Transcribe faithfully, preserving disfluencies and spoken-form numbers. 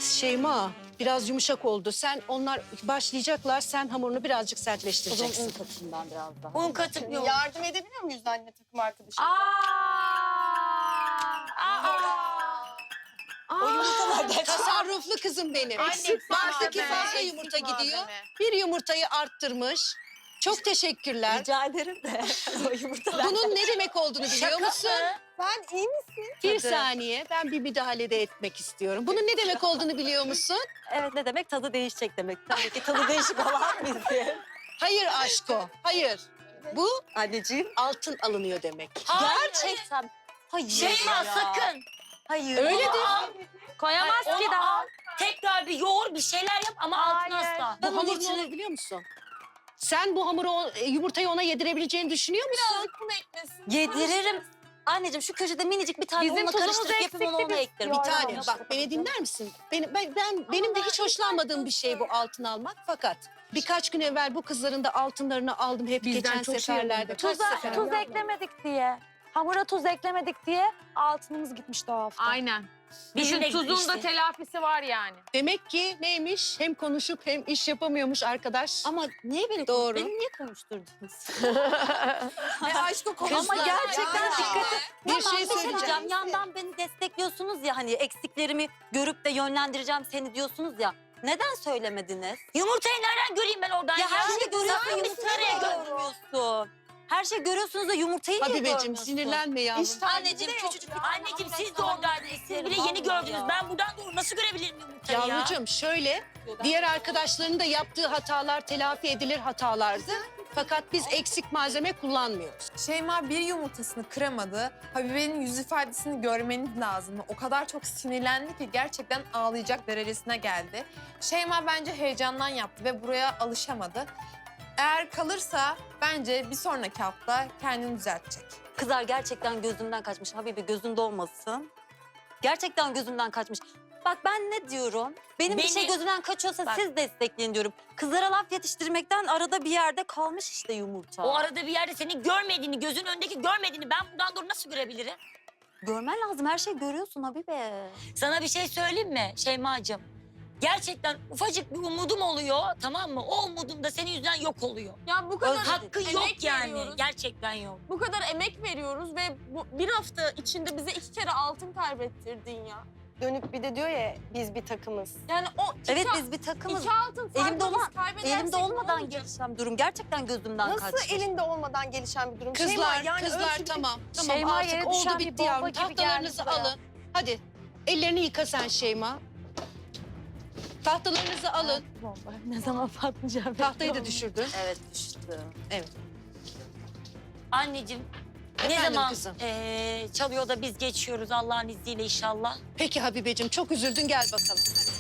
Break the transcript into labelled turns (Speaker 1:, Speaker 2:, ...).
Speaker 1: Şeyma biraz yumuşak oldu. Sen onlar başlayacaklar. Sen hamurunu birazcık
Speaker 2: O zaman
Speaker 1: sertleştireceksin.
Speaker 2: un katayım ben biraz daha.
Speaker 3: Un katıp yok.
Speaker 4: Yardım edebiliyor muyuz anne takım arkadaşımıza?
Speaker 3: O yumurtalardan
Speaker 1: Tasarruflu kızım benim.
Speaker 4: Eksik
Speaker 1: Baktaki
Speaker 4: malzeme,
Speaker 1: fazla
Speaker 4: eksik
Speaker 1: yumurta
Speaker 4: malzeme.
Speaker 1: gidiyor. Bir yumurtayı arttırmış. Çok teşekkürler.
Speaker 2: Rica ederim de o yumurtalar.
Speaker 1: Bunun ne demek olduğunu biliyor musun?
Speaker 4: Ben iyi misin?
Speaker 1: Bir saniye ben bir müdahale de etmek istiyorum. Bunun ne demek olduğunu biliyor musun?
Speaker 2: Evet, ne demek? Tadı değişecek demek. Tabii ki tadı değişik olan bizim.
Speaker 1: Hayır aşko, hayır. Bu
Speaker 2: Anneciğim.
Speaker 1: altın alınıyor demek.
Speaker 2: Gerçekten. Hayır
Speaker 3: Şeyma
Speaker 2: ya.
Speaker 3: sakın.
Speaker 2: Hayır.
Speaker 1: Öyledir.
Speaker 3: Koyamaz ki daha. Tekrar bir yoğur bir şeyler yap ama altına asla.
Speaker 1: Bu hamur ne olur biliyor musun? Sen bu hamuru, o- e, yumurtayı ona yedirebileceğini düşünüyor musun?
Speaker 4: Birazcık un eklesin.
Speaker 2: Yediririm. Anneciğim şu köşede minicik bir tane
Speaker 5: Bizim
Speaker 2: unla
Speaker 5: tuzumuz
Speaker 2: karıştırıp yapayım onu ona eklerim.
Speaker 1: Bir
Speaker 5: Yok,
Speaker 1: tane
Speaker 5: yok.
Speaker 1: bak beni dinler misin? Benim, ben, ben benim de hiç hoşlanmadığım bir şey bu altın almak fakat birkaç gün evvel bu kızların da altınlarını aldım hep
Speaker 5: Bizden
Speaker 1: geçen
Speaker 5: çok şey
Speaker 1: seferlerde.
Speaker 5: oldu.
Speaker 1: Kaç
Speaker 6: Tuza,
Speaker 1: sefer?
Speaker 6: tuz eklemedik diye. Hamura tuz eklemedik diye altınımız gitmişti o hafta.
Speaker 5: Aynen.
Speaker 3: Bizim de
Speaker 5: Bizim tuzun da
Speaker 3: gitmişti.
Speaker 5: telafisi var yani.
Speaker 1: Demek ki neymiş? Hem konuşup hem iş yapamıyormuş arkadaş.
Speaker 2: Ama niye beni,
Speaker 1: Doğru.
Speaker 2: beni niye konuşturdunuz?
Speaker 4: E aşkı konuşlar.
Speaker 2: Ama gerçekten dikkat et.
Speaker 1: Bir
Speaker 2: Tamam,
Speaker 1: şey
Speaker 2: bir
Speaker 1: söyleyeceğim.
Speaker 2: diyeceğim. Yandan beni destekliyorsunuz ya, hani eksiklerimi görüp de yönlendireceğim seni diyorsunuz ya. Neden söylemediniz?
Speaker 3: Yumurtayı nereden göreyim ben oradan ya?
Speaker 2: Ya her şeyi görüyorsun,
Speaker 3: Sen misin
Speaker 2: yumurtayı
Speaker 3: nereye gör?
Speaker 2: görmüyorsun. Her şeyi görüyorsunuz da yumurtayı niye
Speaker 1: Habibeciğim
Speaker 2: görmüyorsun?
Speaker 1: sinirlenme yavrum.
Speaker 4: İşte
Speaker 3: Anneciğim
Speaker 4: de yok
Speaker 3: küçücük
Speaker 4: ya.
Speaker 3: bir anneciğim siz de oradaydınız. Siz bile yeni gördünüz. Ben buradan doğru nasıl görebilirim yumurtayı ya?
Speaker 1: Yavrucuğum şöyle, diğer arkadaşların da yaptığı hatalar telafi edilir hatalardı. Fakat biz eksik malzeme kullanmıyoruz.
Speaker 7: Şeyma bir yumurtasını kıramadı. Habibe'nin yüz ifadesini görmeniz lazım. O kadar çok sinirlendi ki gerçekten ağlayacak derecesine geldi. Şeyma bence heyecandan yaptı ve buraya alışamadı. Eğer kalırsa bence bir sonraki hafta kendini düzeltecek.
Speaker 2: Kızlar gerçekten gözümden kaçmış. Habibi gözünde olmasın. Gerçekten gözümden kaçmış. Bak ben ne diyorum? Benim bir
Speaker 3: Beni-
Speaker 2: şey gözümden kaçıyorsa
Speaker 3: Bak.
Speaker 2: siz destekleyin diyorum. Kızlara laf yetiştirmekten arada bir yerde kalmış işte yumurta.
Speaker 3: O arada bir yerde senin görmediğini, gözün önündeki görmediğini ben buradan doğru nasıl görebilirim?
Speaker 2: Görmen lazım. Her şeyi görüyorsun Habibe.
Speaker 3: Sana bir şey söyleyeyim mi Şeyma'cığım? Gerçekten ufacık bir umudum oluyor, tamam mı? O umudum da senin yüzünden yok oluyor.
Speaker 4: Ya bu kadar
Speaker 3: Hakkı
Speaker 4: emek
Speaker 3: yok yani.
Speaker 4: veriyoruz.
Speaker 3: Gerçekten yok.
Speaker 4: Bu kadar emek veriyoruz ve bu bir hafta içinde bize iki kere altın kaybettirdin ya.
Speaker 6: Dönüp bir de diyor ya biz bir takımız.
Speaker 4: Yani o iki,
Speaker 2: Evet biz bir takımız.
Speaker 4: iki altın farkla
Speaker 2: Elimde olan-
Speaker 4: biz kaybedersek
Speaker 2: Elimde
Speaker 4: ne
Speaker 2: olmadan
Speaker 4: olacak?
Speaker 2: gelişen durum gerçekten gözümden
Speaker 6: Nasıl
Speaker 2: kaçmış.
Speaker 6: elinde olmadan gelişen bir durum?
Speaker 1: Kızlar,
Speaker 6: Şeyma, yani
Speaker 1: kızlar
Speaker 6: ölçü-
Speaker 1: tamam. Tamam
Speaker 6: Şeyma
Speaker 1: artık
Speaker 6: yere
Speaker 1: oldu
Speaker 6: düşen bir
Speaker 1: bitti
Speaker 6: bomba
Speaker 1: yavrum.
Speaker 6: gibi
Speaker 1: Tahtalarınızı
Speaker 6: geldi buraya.
Speaker 1: alın. Hadi ellerini yıka sen Şeyma. Tahtalarınızı alın.
Speaker 6: Ne zaman patlayacağım?
Speaker 1: Tahtayı da düşürdün.
Speaker 2: Evet düştü.
Speaker 3: Anneciğim ne
Speaker 1: Efendim
Speaker 3: zaman
Speaker 1: kızım?
Speaker 3: eee, çalıyor da biz geçiyoruz Allah'ın izniyle inşallah.
Speaker 1: Peki Habibeciğim çok üzüldün gel bakalım.